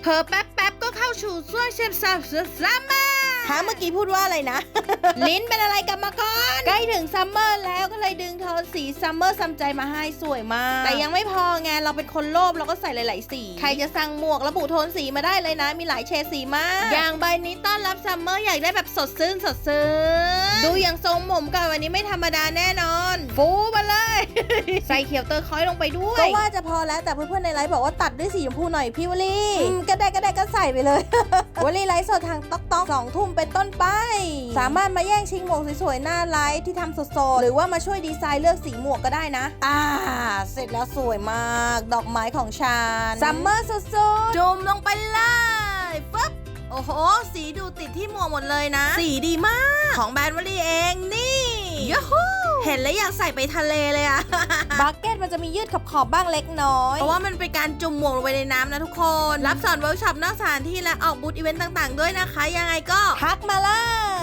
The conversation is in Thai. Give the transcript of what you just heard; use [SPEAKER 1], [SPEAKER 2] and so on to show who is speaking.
[SPEAKER 1] เพอแป๊บก็เข้าสู่ช่วงเชฟซัมเมอร์เมื่อกี้พูดว่าอะไรนะ ลิ้นเป็นอะไรกันมาก่อนใกล้ถึงซัมเมอร์แล้วก็เลยดึงโทนสีซัมเมอร์ซัมใจมาให้สวยมากแต่ยังไม่พอไงเราเป็นคนโลภเราก็ใส่หลายๆสีใครจะสั่งหมวกระบุโทนสีมาได้เลยนะมีหลายเฉดสีมากอย่างใบนี้ต้อนรับซัมเมอร์อยากได้แบบสดชื่นดูอย่างทรงผมกับวันนี้ไม่ธรรมดาแน่นอนฟูมาเลย ใส่เขียวเตอร์คอยลงไปด้วยก็ว่าจะพอแล้วแต่เพื่อนๆในไลฟ์บอกว่าตัดด้วยสีชมพูหน่อยพี่วลีก็ได้ก็ใส่ไปเลย วลีไลฟ์สดทางต๊อก2 ทุ่มเป็นต้นไปสามารถมาแย่งชิงหมวกสวยๆหน้าไลฟ์ที่ทำสดๆหรือว่ามาช่วยดีไซน์เลือกสีหมวกก็ได้นะเสร็จแล้วสวยมากดอกไม้ของฉันซัมเมอร์สุดๆจุ่มลงไปเลยปึ๊บโอ้โหสีดูติดที่หมวกหมดเลยนะสีดีมากของแบรนด์วลีเองนี่ยูฮูเห็นแล้วอยากใส่ไปทะเลเลยอะ บักเก็ตมันจะมียืดขอบบ้างเล็กน้อยเพราะว่ามันเป็นการจุ่มหมวกลงไปในน้ำนะทุกคนรับสอนเวิร์กช็อปนอกสถานที่และออกบูธอีเวนต์ต่างๆด้วยนะคะยังไงก็ทักมาเลย